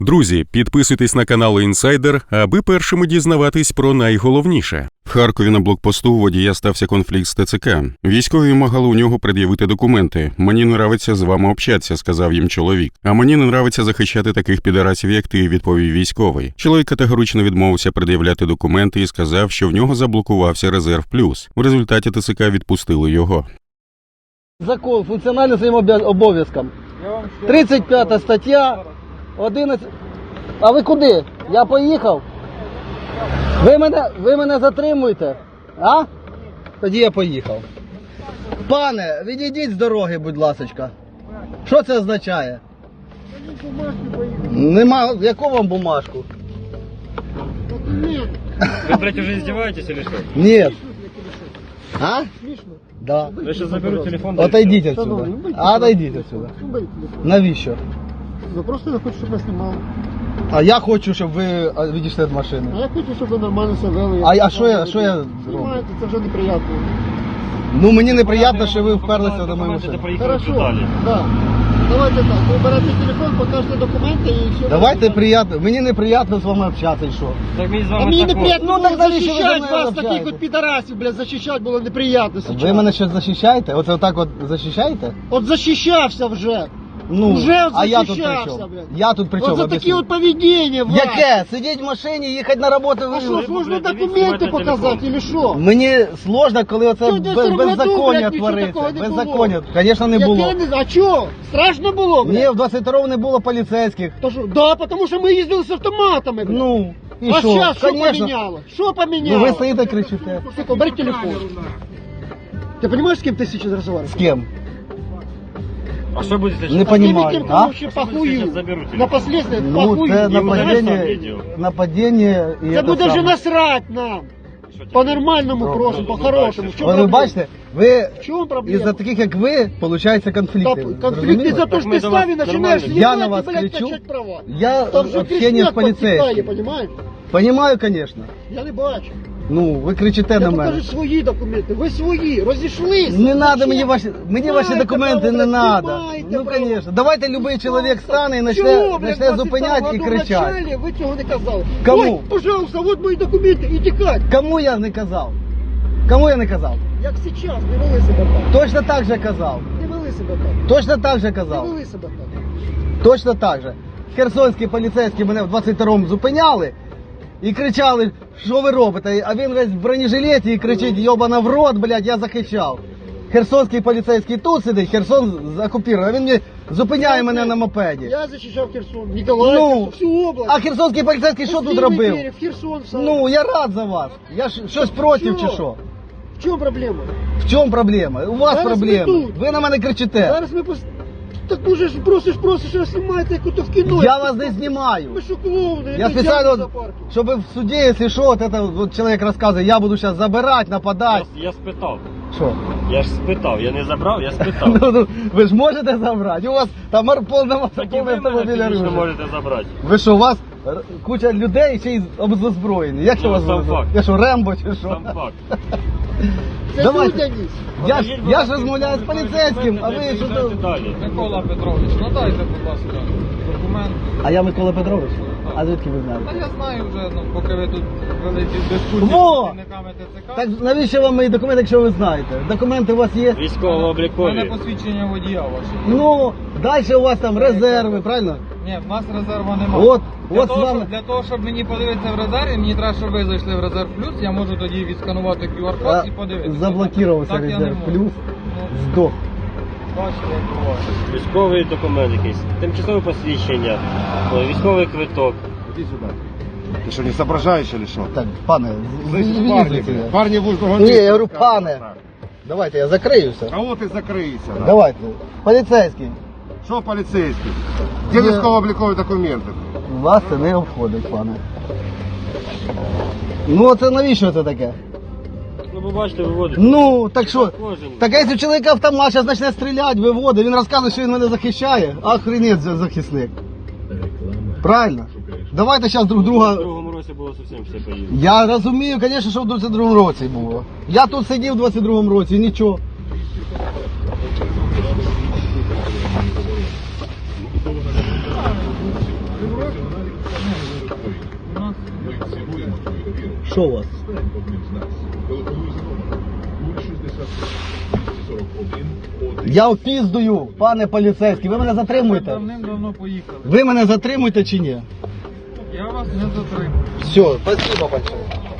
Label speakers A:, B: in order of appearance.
A: Друзі, підписуйтесь на канал Інсайдер, аби першими дізнаватись про найголовніше. В Харкові на блокпосту у водія стався конфлікт з ТЦК. Військові вимагали у нього пред'явити документи. «Мені не нравиться з вами общатися», – сказав їм чоловік. «А мені не нравиться захищати таких підарасів, як ти», – відповів військовий. Чоловік категорично відмовився пред'являти документи і сказав, що в нього заблокувався резерв плюс. В результаті ТЦК відпустили його.
B: Закон функціонально своїм обов'язкам. 35 стаття, 11... А ви куди? Я поїхав? Ви мене затримуєте? А? Тоді я поїхав. Пане, відійдіть з дороги, будь ласочка. Що це означає? Нема. Яку вам бумажку?
C: Вы, блядь, уже издеваетесь или что?
B: Нет. А? Да.
C: Я сейчас заберу телефон. да и
B: Отойдіть
C: всё.
B: отсюда. Отойдіть отсюда. Навіщо?
D: Ну просто я хочу, щоб ви знімали.
B: А я хочу, щоб ви відійшли від машини.
D: А я хочу, щоб ви нормально себе вели.
B: А що я зроблю?
D: Знімаєте, це вже неприємно.
B: Ну мені неприємно, що ви вперлися до моєї
C: Документы,
B: машини.
C: проехали
D: Хорошо,
C: далі.
D: да. Давайте так, ви берете телефон, покажете документи і все.
B: Давайте приємно. Мені неприємно з вами общатися, і що?
C: Так мені з
D: А
C: вами
D: мені
C: також.
D: неприємно
B: Ну, так
D: було
B: навіщо ви за
D: захищати
B: мною
D: вас, таких
B: общаєтесь?
D: от підарасів, блядь, захищати було неприємно зараз.
B: Ви мене щось захищаєте? Оце отак от захищаєте?
D: От захищався вже.
B: Ну,
D: Уже от
B: а я тут при
D: захищався,
B: чому?
D: блядь.
B: Я тут при чому?
D: От за такі
B: Об'ясніть.
D: от поведіння вас.
B: Яке? Сидіть в машині, їхати на роботу.
D: А що,
B: ви...
D: сложно
C: блядь,
D: документи
C: дивіться,
D: показати,
C: телефон.
D: или що?
B: Мені сложно, коли оце
D: Що, в 22
B: беззаконня
D: году, блядь, нічого
B: твориться.
D: такого не було?
B: Беззаконня. Звісно, не було.
D: Яке А чого? Страшно було, блядь?
B: Ні, в 22-му не було поліцейських.
D: То що? Да, тому що ми їздили з автоматами, блядь.
B: Ну, і
D: А
B: що?
D: зараз що
B: Конечно.
D: поміняло? Що поміняло?
B: Ну ви стоїте кричите.
D: Сука, бери телефон. Ти розумієш, з ким ти зараз
B: З
D: розмовляєш?
B: ким?
C: А що буде
B: Не
C: зараз?
B: понимаю,
D: Кем
B: а?
D: вообще похую.
C: Сейчас заберу телефон.
D: На последствия
B: Ну,
D: похую.
B: це
C: І удалиш там
B: нападіння,
C: відео.
B: нападіння і
D: Це
B: це
D: буде вже
B: саме.
D: насрать нам. По-нормальному
B: Ну,
D: просимо,
C: ну,
D: по-хорошому. В чому
B: Ви
D: проблема?
B: бачите, ви
D: В чому проблема?
B: із-за таких, як ви, получаються конфлікти.
D: Конфликт
B: Зрозуміли?
D: из-за того,
C: Так
D: что
C: мы
D: ты
C: до
D: с
C: вас
D: нами начинаешь
C: нормально.
B: Я на
D: ебать
B: вас
D: и, блядь,
B: кричу.
D: качать права.
B: Я
D: Там же
B: общение з
D: кричать подтекає,
B: поліцейським.
D: понимаешь?
B: Понімаю, звісно.
D: Я не бачу.
B: Ну, ви кричите
D: Я
B: на мене.
D: покажу свої документи. Ви свої, розійшлися.
B: Не треба
D: Зачем?
B: мені ваші
D: Маєте
B: документи,
D: право,
B: не
D: блядь,
B: треба.
D: маєте
B: Ну,
D: право.
B: звісно. Давайте будь-який чоловік стане і
D: Чого, блядь,
B: почне
D: в
B: зупиняти
D: 22
B: і
D: году
B: кричати.
D: вначале ви цього не казали.
B: Кому?
D: Ой, пожалуйста, вот мої документи, і тікать.
B: Кому я не казав? Кому я не казав?
D: Як зараз, не вели себе так.
B: Точно так же казав.
D: Не вели себе так.
B: Точно так же
D: Не
B: казав.
D: вели себе так.
B: Точно так же. Херсонські поліцейські мене в 22-му зупиняли і кричали, що ви робите? А він весь в бронежилеті і кричить, йобана в рот, блядь, я захищав. Херсонський поліцейський тут сидить, Херсон окупований, а він мені зупиняє мене на мопеді.
D: Я захищав Херсон, Ніколаїв,
B: Ну,
D: всю область.
B: а херсонський поліцейський що тут
D: Пустили
B: робив?
D: двері, в Херсон сам.
B: Ну, я рад за вас. Я ж щось проти чи
D: Чого?
B: що?
D: В чому проблема?
B: В чому проблема? У вас
D: Зараз
B: проблема.
D: ми тут.
B: Ви на мене кричите.
D: Зараз ми Так уже ж просиш, а знімаєте, як ото в кіно.
B: Я вас не знімаю.
D: Ми що клоуни?
B: Я специально, чтобы в суде, если что, вот это вот человек рассказывает, я буду сейчас забирать, нападать.
C: Я спитав.
B: Что?
C: Я ж спитав. Я не забрав, я спитав.
B: Ну, вы же можете забрать? У вас там полная
C: Так і ви мене
B: автомобиля
C: фізично
B: оружия.
C: можете забрати.
B: Ви що, у вас куча людей ще й обзброєні? Як
C: Ну,
B: що у вас?
C: сам факт.
B: Я що, Рембо чи що?
C: Сам факт.
D: Це
B: Давайте.
D: людяність.
B: Я ж розмовляю з поліцейським, а ви що
C: Приїжджайте
B: тут?
C: далі.
E: Микола Петрович, надайте, будь ласка, документ.
B: А я Микола Петрович. А звідки ви
E: Та
B: знаєте?
E: я знаю вже, ну, поки ви тут вели ці дискусії
B: Во!
E: з працівниками ТЦК.
B: Так навіщо вам мої документи, якщо ви знаєте? Документи у вас є?
E: У мене
C: Військово-облікові.
E: посвідчення водія ваше.
B: Ну, далі у вас там резерви, правильно?
E: Ні, в нас резерву немає.
B: От з вами.
E: Для того, щоб мені подивитися в резерві, мені треба, щоб ви зайшли в резерв плюс, я можу тоді відсканувати QR-код і подивитися.
B: Заблокувався
E: Так я не
B: резерв
E: можу.
B: плюс,
E: Ну,
B: здох.
E: бачите, як буває.
C: Військовий документ якийсь. Тимчасове посвідчення. Військовий квиток.
F: Иди сюда. Ты что, не соображаешь или что?
B: Так, пане,
F: Слышь,
B: звідси.
F: парни будут
B: Ні, я говорю, пане. Давайте, я закриюся.
F: А вот и закрыйся. Да.
B: Давайте. Поліцейський.
F: Что полицейский? Где
B: Ні.
F: військово-облікові документи?
B: Вас це не обходить, пане. Ну, це навіщо це таке?
C: Ну, ви бачите, виводить.
B: Ну, так що?
C: Кожен.
B: Так а якщо чоловік автомат зараз почне стріляти, виводить, він розказує, що він мене захищає, охренеть захисник. Правильно? Давайте зараз друг
C: В
B: друга...
C: другому році було зовсім все поїздно.
B: Я розумію, звісно, що в 22-му році було. Я тут сидів в 22-му році і нічого.
E: У нас
B: Що у вас? Я впіздую, пане поліцейський, ви мене затримуєте?
E: давним-давно поїхали.
B: Ви мене затримуєте чи ні?
E: Я вас не затримую.
B: Все, спасибо большое.